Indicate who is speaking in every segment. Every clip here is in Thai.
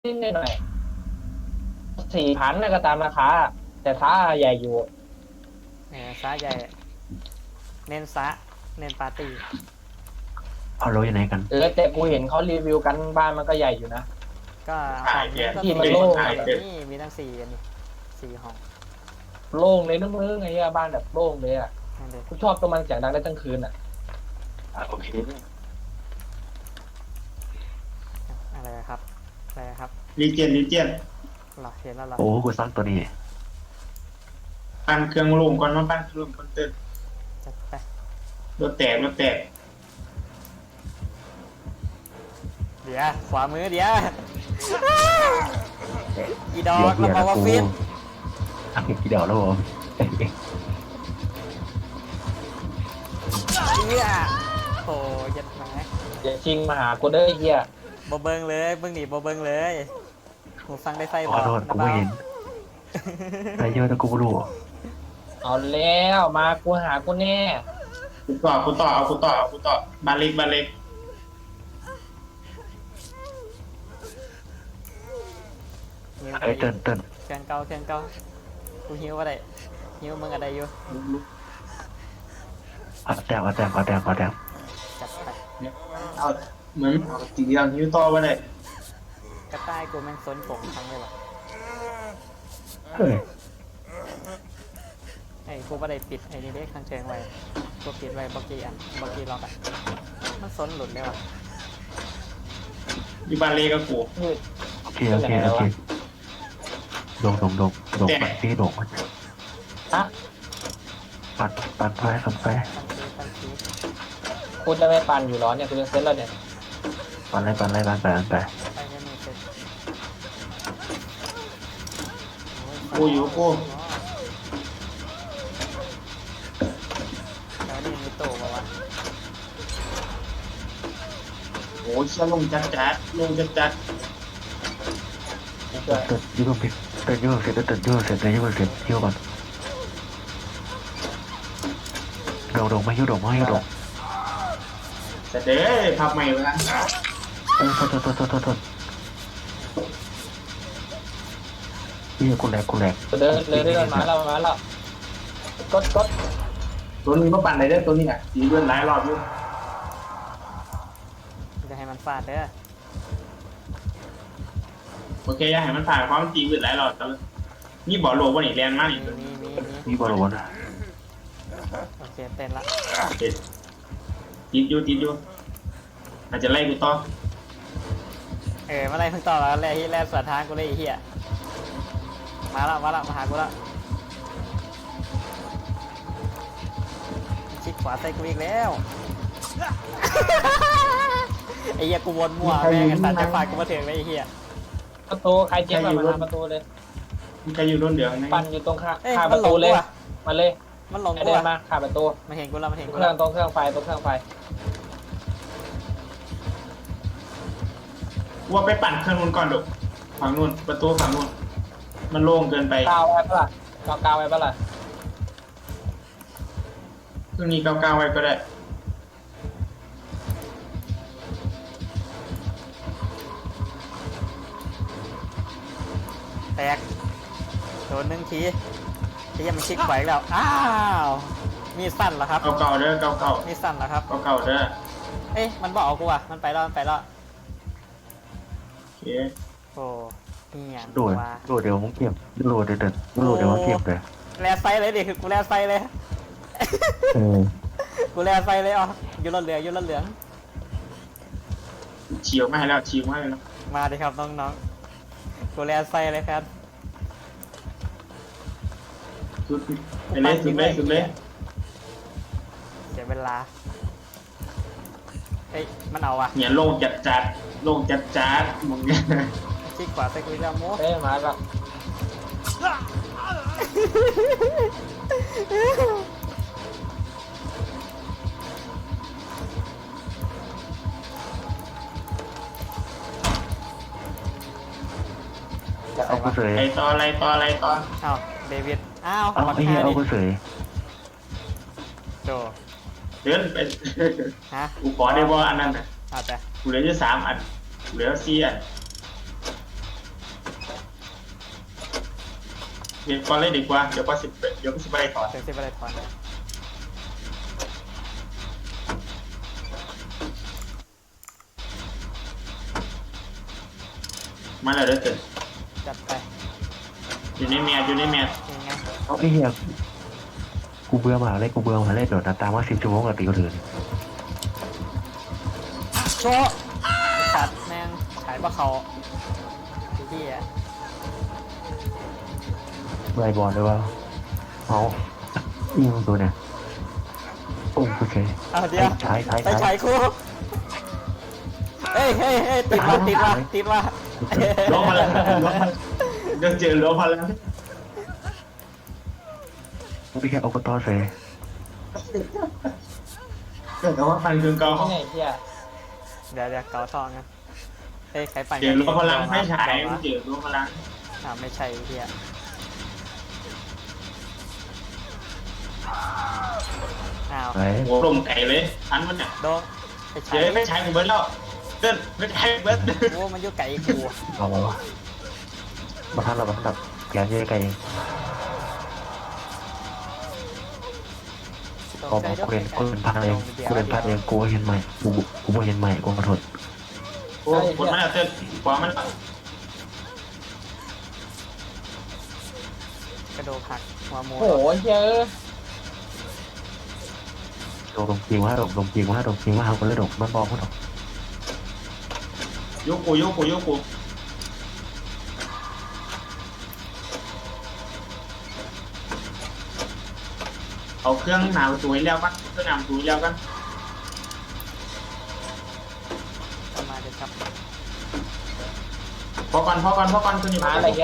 Speaker 1: นิดหน่อย4,000นะก็ตามราคาแต่ฟ้าใหญ่อยู่
Speaker 2: ซะใหญ่เน้นซะเน้นปาร์ตี้
Speaker 3: เอารถอยู่ไหนกัน
Speaker 1: แต่กูเห็นเขารีวิวกันบ้านมันก็ใหญ่อยู่นะ
Speaker 2: ก็ห้
Speaker 4: ถ่า
Speaker 2: อ
Speaker 4: ยแก
Speaker 2: งนี้ก็
Speaker 1: ที่
Speaker 2: มี
Speaker 1: มันโล่ง
Speaker 4: ถ่ายเสร็จ
Speaker 2: นี่มีทั้งสี่อันนี้สี่ห้อง
Speaker 1: โล่งเลยนะมึงไอ้เหี้ยบ้านแบบโล่งเลยอ่ะ
Speaker 2: นั่นเด็ก
Speaker 1: กูชอบตัวมันเสียงดังได้ทั้งคืนอ่ะ
Speaker 3: โอเค
Speaker 2: อะไรครับอะไรครับ
Speaker 4: ลีเจน
Speaker 2: หรอเห็นแล้วหรอ
Speaker 3: โอ้กูสร้างตัวนี้
Speaker 4: ปั้นเครื่องลงก่อนมาปั้นเครื่องก่อนเติม
Speaker 2: จัดไป
Speaker 4: รถแตก
Speaker 2: เดี๋ยวขวามือเดี๋ยวอีดอกเราบอกว่าฟิต
Speaker 3: กี่เดี๋ยวแล้วผม
Speaker 2: เหี้ยโอ้ยัดแหม
Speaker 1: อย่าชิงมาหากูเด้อไอ้เหี้ย
Speaker 2: บ่เบิงเลยเบิ่งนี่บ่เบิงเลยหูฟังได้ไฟ
Speaker 3: ข
Speaker 2: บ
Speaker 3: อ
Speaker 2: อก
Speaker 3: โทษกู
Speaker 2: นะ
Speaker 3: ไม่
Speaker 2: เบ้า
Speaker 3: เห็นแต่เยอะแต่กูไม่รู้
Speaker 1: เอาแล้วมากูหากูแน่
Speaker 4: กูต่อเอาบานเล็ก
Speaker 3: ไอ้เติ้น
Speaker 2: เครื่องเก่ากูหิวว่าได้หิวมึงอะไรอยู่
Speaker 3: เอาแต้ม
Speaker 2: จัดไป
Speaker 4: เอาเหมือนเอาตีอย่างนิ้วต่อมาเลย
Speaker 2: กระต่ายกูแม่งซนกงทั้งเลยวะ
Speaker 3: เฮ้ย
Speaker 2: ไอ้กูไม่ได้ปิดไอ้นี่เด็กทางเชิงไว้กูปิดไว้บอกกี้ล็อกอ่ะมันซนหลุดเลยวะ
Speaker 4: มีบานเล็กกับกู
Speaker 1: มืด
Speaker 3: โอเคดงปัดพี่ดง
Speaker 1: ฮะ
Speaker 3: ปัดไฟ
Speaker 2: ตั้งซี
Speaker 1: กูจะไม่ปั่นอยู่หรอเนี่ยกูจะเซ็ตแล้วเนี่ย
Speaker 3: ปัดไป
Speaker 2: ไปเนี่ยมึงเสร็จ
Speaker 4: กูอยู่กู
Speaker 2: แล้วนี่มีโตมาวะ
Speaker 4: โอ้ยเชี่ยลงจัด
Speaker 1: กูช่วย
Speaker 3: ยืมผิดยืมเสร็จยืมก่อนดงไม่ยืม
Speaker 4: แต่เด้พับใหม่ไปแล้ว
Speaker 3: โทษพี่กูแหลก
Speaker 1: เดินเลยได้มาแล้วกด
Speaker 4: ตัวนี้มาปั่นไหนได้ตัวนี้อ่ะตีเลื่อนหลายรอบอยู่
Speaker 2: จะให้มันฟาดเด้อ
Speaker 4: โอเคอย่าให้มันผ่านความตีเลื่อนหลายรอบแต่นี่บ่อโลวันนี้แรงมากนี่ตัวนี้
Speaker 3: นี่บอลวนอ่ะ
Speaker 2: โอเคเต้นละ
Speaker 4: ติดอยู่อาจจะไล่กูต่อ
Speaker 2: เมื่อไรเพิ่งต่อแล้วแล่สวนทางกูเลยไอ้เหี้ยมาละมาหากูละชิดขวาใส่กูอีกแล้วไอ้เหี้ยกูวนมั่วแม่งไอ้สัตว์จะฝากกูมาถึงเลยไอ้เหี้ย
Speaker 1: ประตูใครเจ็บมาทำประตูเลย
Speaker 4: มีใครอยู่รุ่นเดียวไหม
Speaker 1: ปั่นอยู่ตรงข้า
Speaker 2: เอ้ย
Speaker 1: ป
Speaker 2: มัน
Speaker 1: ระ
Speaker 2: หล
Speaker 1: ตู
Speaker 2: ง
Speaker 1: เล
Speaker 2: กู
Speaker 1: ย
Speaker 2: อ่ะ
Speaker 1: มาเลย
Speaker 2: มันหลงกู
Speaker 1: เดิน
Speaker 2: อ่ะ
Speaker 1: มาขาประตู
Speaker 2: มาเห็นกูละ
Speaker 1: เครื่องตรงเครื่องไฟ
Speaker 4: ว่าไปปั่นเครื่องนู้นก่อนดูฝั่งนู้นประตูฝั่งนู้นมันโล่งเกินไป
Speaker 1: กาวไว้ปะล่ะกาวไว้ปะล่ะ
Speaker 4: เครื่องนี้ก้าวไว้ก็ได้
Speaker 2: แตกโดนหนึ่งทีไอ้เหี้ยมันชิดไหวแล้วอ้าวมีสั้นเหรอครับ
Speaker 4: เก่าเด้อเก่า
Speaker 2: มีสั้นเหรอครับ
Speaker 4: เก่าเด้อ
Speaker 2: เอ้ยมันบอกเอากูอ่ะมันไปแล้ว
Speaker 4: โอเค
Speaker 2: โอ้เหี้ย
Speaker 3: โดดเดี๋ยวมึงเก็บโดดเดี๋ยวมึงเก็บเลย
Speaker 2: แลไซเลยดิคือกูแลไซเลย กูแลไซเลยอ่ะอยู่รถเหลือง
Speaker 4: ฉีกมาให้แล้ว
Speaker 2: มาดิครับน้องๆกูแลไซเลยครับ
Speaker 4: สุดเลย
Speaker 2: เสียเวลาเอ้ยมันเอาว่ะ
Speaker 4: เนี่ยโล่งจัดมึงเนี่ย
Speaker 2: ชิดขวาใส่กูอีกแล้วโม้
Speaker 1: เอ้ยมาแล้วจะ
Speaker 3: เอา
Speaker 1: เอา
Speaker 3: กู
Speaker 1: มา
Speaker 3: เสย
Speaker 4: อะไรต่อ
Speaker 2: อ้าวเดวิดอ้าว
Speaker 3: เอา
Speaker 2: บัก
Speaker 3: ไอ้เหี้
Speaker 2: ฮาย
Speaker 3: เอา
Speaker 2: ดิ
Speaker 3: กูเสย
Speaker 2: โจ
Speaker 4: เดินไป
Speaker 2: ฮะ
Speaker 4: กูขอได้บ่อันนั้นน่ะ
Speaker 2: เอาแต่
Speaker 4: กูเหลืออยู่3 อันเหลือ4 อันเรียนก่อนเลยดีกว่าเดี๋ยวก็สิบไปต่อ
Speaker 2: เดี๋ยวสิบอะไรถอนเลย
Speaker 4: มาแล้วเด้อเกิด
Speaker 2: จัดไป
Speaker 4: อยู่ในเมียอยู่ในเมีย
Speaker 2: ยังไง
Speaker 3: เอาไอ้เหี้ยกูเบื่อมหาเลยกูเบื่อมหาเลยโดดตามว่า10 ชั่วโมงกับตีคนอื่น
Speaker 2: โชว์สัตว์แม่งขายปลาเขาที่อ่ะ
Speaker 3: ไล่บอลด้วยว่าเอายิงตัวเนี่ยโอ้โอเค
Speaker 2: เอาเดี๋ยว
Speaker 3: ใช้
Speaker 2: ไปฉายคู่เฮ้ยติดว่ะ
Speaker 4: ล้มมาแล้วล้มมาเดี๋ยวเจอล้มมาแล้ว
Speaker 3: ไม่แค่อบตเสย
Speaker 4: เกิดแต่ว่าฟันเครื่องเก่า
Speaker 1: นี่ไงเฮีย
Speaker 2: เดี๋ยวเกาทองกันเฮ้ยใครปั่น
Speaker 4: เจอล้มพลังไม่ฉายเจอล้มพลัง
Speaker 2: ไม่ใช่เฮียอ้าว
Speaker 3: ไอ้
Speaker 4: หัวลมไก่เลยอันมันเนี่ย
Speaker 2: โดนไปใช้
Speaker 4: เดี๋ยวไม่ใช้กูเบิร์ดแล้วเดินไม่ใช้เบิร์ด
Speaker 2: โอ้มันอยู่ไก่กู
Speaker 3: เอามาวะมาทันเราบัดับแกนเยอะไกลเองกูเป็นพลาดเองกูเป็นพลาดเองกูเห็นใหม่กูเห็นใหม่กูขอโทษ
Speaker 4: โอ้คนมันแล้วเต้นขวามันแล้ว
Speaker 2: กระโดดหักหัวหมู
Speaker 1: โอ้โหเฮีย
Speaker 3: ลงจริงว่าลงจริงว่าเขาคนละดกมันบอกเขาดอก
Speaker 4: ยกกูเอาเครื่องหนาวตัวแล้วกันเครื่องหนาวตัวแล้วกัน
Speaker 2: ประมาณเดี๋ยวครับ
Speaker 4: พอก่อนตัวนี้
Speaker 1: มา
Speaker 4: มา
Speaker 1: อะไรเฮีย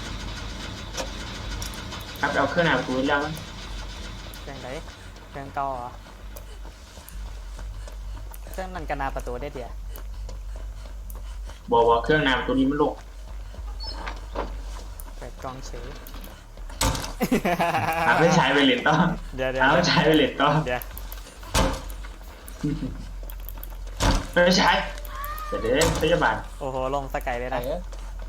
Speaker 4: ครับเอาเครื่องหนาวตัวแล้วกัน
Speaker 2: เครื่องไหนเครื่องเก่าเหรอเครื่องนั่นกระนาประตูได้เดียว
Speaker 4: บอกว่าเครื่องหนาวตัวนี้มันโลก
Speaker 2: เปิดกล้องเฉย
Speaker 4: ไม่ใช้ไปเหรียญต่อ
Speaker 2: เดี๋ยว
Speaker 4: ไม่ใช้ไปเหรียญต่อ
Speaker 2: เดี๋ยว
Speaker 4: ไม่ใช้เดี๋ยวพยาบาล
Speaker 2: โอ้โหลงสกายเลย
Speaker 1: ไหน
Speaker 2: นะ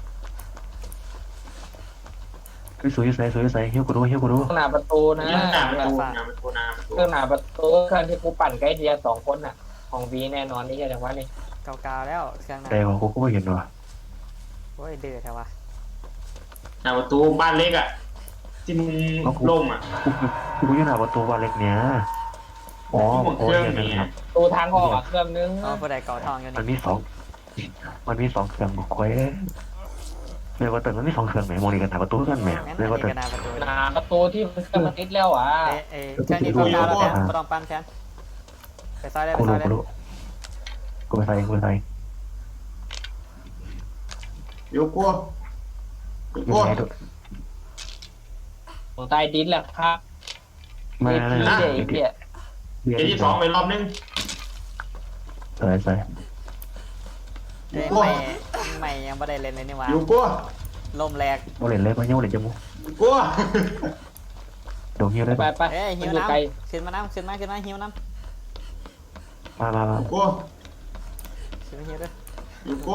Speaker 3: คือสวยใส่เฮี้ยวกูรู้
Speaker 1: เครื่องหน้าประตูนะ
Speaker 4: นี่หนาวมัน
Speaker 1: เค
Speaker 4: ตัวหนาว
Speaker 1: รื่องหน้าประตูเครื่องที่กูปั่นใกล้เดีย2 คนน่ะ ของวีแน่นอนนี่เฮียจังวะนี่
Speaker 2: เก่าๆแล้วเครื่องนั้น
Speaker 3: แต่ของกูก็ไม่เห็นว่ะ
Speaker 2: โอ้ยเดือดแท้วะ
Speaker 4: หนาวประตูบ้านเล็กอ่ะที่มึงล่มอ่ะ
Speaker 3: กูอยู่หน้าประตูวันเล็กเนี้ยอ๋อโอ้ยนะครับ
Speaker 1: ตูทางออกอ่ะเครื่องนึง
Speaker 2: อ๋อผู้ใดเก่าทองอยู่
Speaker 3: มัน
Speaker 2: นี่
Speaker 3: มี2เครื่องบุกไว้เรียกว่าแต่มันมี2เครื่องไหมมองนี่กันหน้าประตูกันไหม
Speaker 2: งั้น
Speaker 3: เรียก
Speaker 2: อั
Speaker 3: ว่าน แต่
Speaker 2: นี้กระนาประตู
Speaker 1: หน้าประตูที่มันเครื่องมันติดแล้วอ่ะ
Speaker 2: เครื่องนี้เก่าๆแล้วแทนไม่ต้องปั้นแทนไปซ้ายได้ไป
Speaker 3: กู
Speaker 2: ซ้ายได้
Speaker 3: รู้กูไปใส่
Speaker 4: โยกกู
Speaker 3: ยังไงดู
Speaker 1: ของใต้ดินแหละครับ
Speaker 3: มา
Speaker 1: เฮียเฮีย
Speaker 4: เดี๋ยวที่สองไปรอบนึง
Speaker 3: ใส่
Speaker 2: ไม่ยังไม่ได้เล่นเลยนี่หว่า
Speaker 4: โยกกู
Speaker 2: ลมแรก
Speaker 3: โมเลนเลยมาเยี่ยมเลยจมูก
Speaker 4: กู
Speaker 3: โดนเยี่ยมเลย
Speaker 1: ไป
Speaker 2: เอ้ยหิว
Speaker 1: อยู่
Speaker 2: น้
Speaker 1: ไกล
Speaker 2: ำขึ้นมาหิวน้ำ
Speaker 3: มา
Speaker 4: กู
Speaker 2: ขึ้นมาหิวด้วย
Speaker 4: โยกกู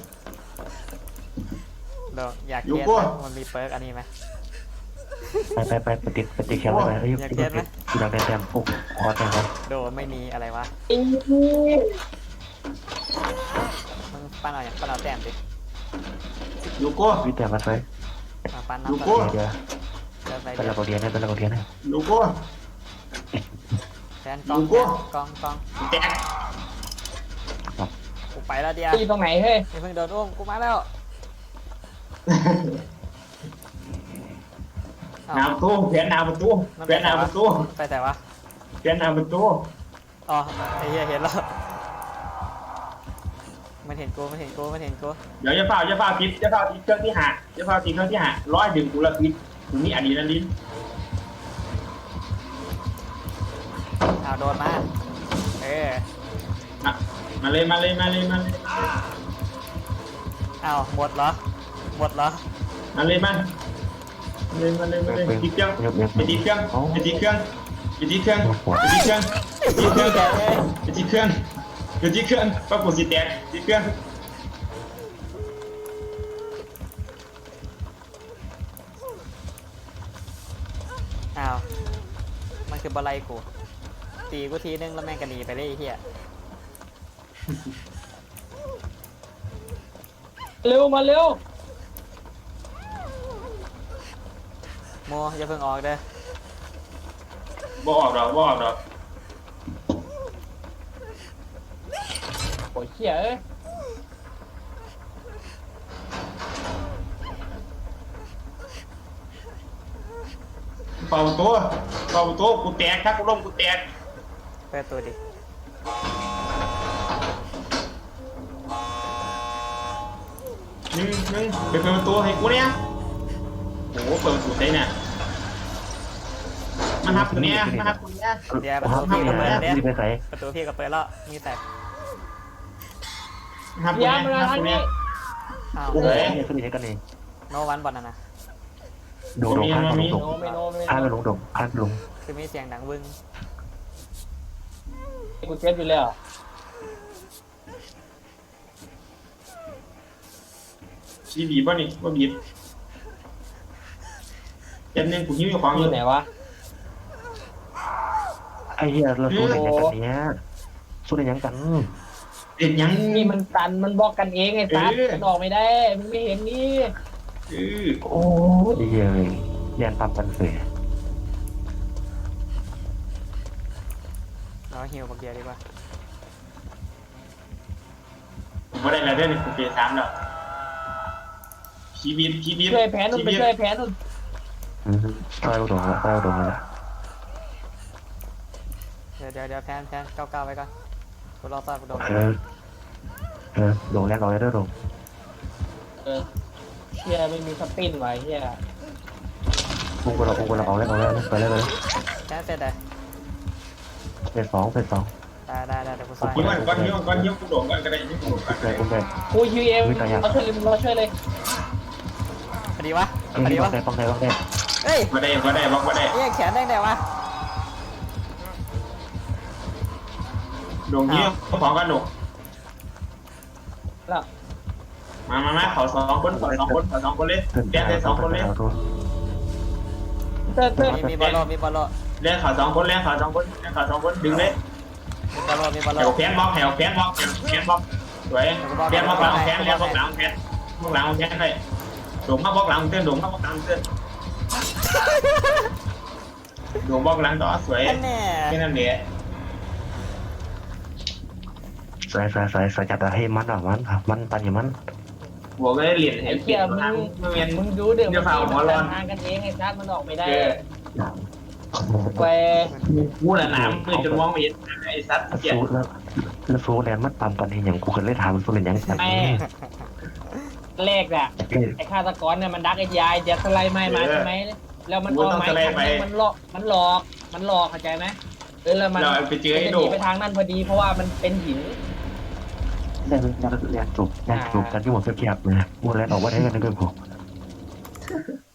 Speaker 2: เดี๋ยวอยาก
Speaker 4: อยู่
Speaker 2: เทียน
Speaker 4: กู
Speaker 2: มันมีเปิร์กอันนี้ไหม
Speaker 3: ไปติดแคมป์ไปเอ้ยอยากได้แต้มปุ๊บขอแต้มครับ
Speaker 2: โดไม่มีอะไรวะ
Speaker 1: อี
Speaker 2: มึงปั้นเอาอย่างปั้นเอาแต้มดิ
Speaker 4: โยกกู
Speaker 3: วิแต่มาใส่
Speaker 2: มาปั้น
Speaker 4: อยู่
Speaker 2: น้ำ
Speaker 4: กู
Speaker 3: เดี๋ยว
Speaker 2: เดินไป
Speaker 3: เป็น
Speaker 2: เดี๋
Speaker 3: ระ
Speaker 2: ยว
Speaker 3: บบเรียนนะเป็นระบบเรียนนะ
Speaker 4: โยกกู
Speaker 2: แทนกล้อง
Speaker 4: อยู่กู
Speaker 2: กล้อง
Speaker 4: แตก
Speaker 2: กูไปแล้วเดียว
Speaker 1: ตีตรงไหนเฮ้ย
Speaker 2: นี่เพิ่งโดนอุ้มกูมาแล้ว
Speaker 4: หนาวประตูเปลี่ยนหนาวประตูเปลี่ยนหนาวประตู
Speaker 2: ไปแต่ว่า
Speaker 4: เปลี่ยนหนาวประตู
Speaker 2: อ๋อไอ้เหี้ยเห็นแล้วมันเห็นกู
Speaker 4: เดี๋ยวจะเฝ้าปิดเครื่องที่หาจะเฝ้าปิดเครื่องที่หาร้อยดึงกูละปิดตรงนี้อะดรีนาลีน
Speaker 2: อ้าวโดนมา
Speaker 4: มาเลย
Speaker 2: อ้าวหมดเหรอ
Speaker 4: มาเลยติดเครื่องไปติดเครื่องป้าปู่สิแตกติดเครื่อง
Speaker 2: มันคือบอลไลกูตีกูทีนึงแล้วแม่งก็หนีไปเลยไอ้เฮีย
Speaker 1: เร็วมาเร็ว
Speaker 2: โมอย่าเพิ่งออกเด้อ
Speaker 4: บ่ออกดอกบ่ออกดอก
Speaker 1: โอ้ยเหี้ยเอ้ย
Speaker 4: เป่าตัวกูแตกครับกูล้มกูแตก
Speaker 2: เปิดตัวดิ
Speaker 4: นึงไปเปิดประตูให้กูเนี่ยโอ้โหเปิดประตูได้เนี่ยมาหับกูเนี่ยมาหับกูเนี่ย
Speaker 2: เดี๋ยวประ
Speaker 3: ห้
Speaker 2: ตู
Speaker 3: อง
Speaker 2: พี่
Speaker 3: พี่
Speaker 2: ก็เปิด
Speaker 3: นะ
Speaker 2: เดี๋ยว
Speaker 3: พี่ไปใส่
Speaker 2: ประตูพี่ก็เปิดแล้วมีแต่
Speaker 4: มาหับกู
Speaker 1: เหี้ย
Speaker 4: เนี่ย
Speaker 1: มา
Speaker 4: มาหับ
Speaker 1: ทาง
Speaker 4: กู
Speaker 1: นี้
Speaker 4: เนี่ย
Speaker 2: อ้าว
Speaker 3: โอ้โหเนี่ยสุดนี้กันเอง
Speaker 2: โนวันบอลนะ
Speaker 3: โดดข้างลง
Speaker 1: โนไม่โนไม่
Speaker 3: ข้าง
Speaker 1: โน
Speaker 3: ลงข้างลง
Speaker 2: คือมีเสียงดังวึง
Speaker 1: กูเจ็บอยู่แล้ว
Speaker 4: ชีบีป่ะนี่ว่าบีบเจ็บนึงกูหิ้วอยู่ของ
Speaker 1: อ
Speaker 4: อยู่ ยู่
Speaker 1: ไหนวะ
Speaker 3: ไอ้เหี้ยเราสู้ในยังกันเนี้ยสู้ในยังกัน
Speaker 4: เด็ดยัง
Speaker 1: นี่มันตันมันบล็อกกันเองไอ้สัส
Speaker 4: เออ
Speaker 1: มันออกไม่ได้มึงไม่เห็นนี่
Speaker 3: โอ้ยเหี้ยเรียนปั๊มกันเสีย
Speaker 2: เราฮิวบักเดียวดีกว่า
Speaker 4: ผมไม่ได้แล้วเด้อนี่กูเปย์3แล้วชีบี
Speaker 1: ช่วยแผนนู่นไปช่วยแผนนู่น
Speaker 3: ใต้อุดมละใต้อุดมละ
Speaker 2: เดี๋ยวแพนก้าวไว้ก่อนกูรอซอยกูโดน
Speaker 3: โดงแรกเราได้ด้วยโดง
Speaker 1: เหี้ยไม่มีสปินไว้เหี้ย
Speaker 3: อุ้งกูเราเอาแล้วไปแล้ว
Speaker 2: แพนเสร็จเลย
Speaker 3: เป็นสอง
Speaker 2: ได้เดี๋ยวกูซอย
Speaker 4: หิ้วก่อนหิ้วกูโดดก่อนก็ได้หิ้วกูโดดก่อนก็ได้
Speaker 3: อุ้งเลย
Speaker 1: กูยูเอ็มเราช่วยเลยเราช่วยเลย
Speaker 2: พอดีวะ
Speaker 3: ป้องได้
Speaker 2: เฮ้ย
Speaker 4: มาได้บล็อกมาได้
Speaker 2: เอ้ยแขนได้ไงวะ
Speaker 4: โดงหิ้วของกันโดง
Speaker 1: แล้ว
Speaker 4: มาเขา2 คนเลยเลี้ยงได้2 คนเลย
Speaker 1: เติร์
Speaker 2: มีบอลโล
Speaker 4: เลี้ยงเขา2 คนดึงเลย
Speaker 2: มีบอลโล
Speaker 4: แถวแขนบล็อกสวยเลี้ยงบล็อกหลังแขนบล็อกหลังแขนเลยโดงมาบล็อกหลังเต้นโดงบล็อกหลังต่อสวย
Speaker 2: แค่แน่
Speaker 4: แค่นั้นเอง
Speaker 3: ใส่จัดให้มันปันอย่างมัน
Speaker 4: บวกเลยเหรียญ
Speaker 1: ไอ้
Speaker 4: เห็น
Speaker 1: เหี้ย
Speaker 4: ทางเมียน
Speaker 1: มึงดูเดี๋ยว
Speaker 4: เดี๋ยวฝ่าหัวร้อน
Speaker 1: ทางกันเองไอ้สัสมันออกไม่ได้
Speaker 4: เออ
Speaker 1: แก
Speaker 4: กูละหนามมือจนมองไม่เห็นไอ้ซัดเกีย
Speaker 3: สู้แล้วสู้แลนมันปั๊มกันอย่างกูเคยเล่นทางสู้ในยังกัน
Speaker 1: แม่แรกน่ะไอ้ฆาตกรเนี่ยมันดักไอ้ยายจะสไลด์ไม้มาใช่ไหมแล้วมันเอาไม้ทางนี้มันหลอกเข้าใจไหมแล้วมัน
Speaker 4: เราไปเจอ
Speaker 1: จะ
Speaker 4: ไอ้
Speaker 1: ห
Speaker 4: โด
Speaker 1: นีไปทางนั้นพอดีเพราะว่ามันเป็นหิน
Speaker 3: แลนจบกันที่หมดเพียบเลยมูแลนออกว่าได้กันในเรื่องผม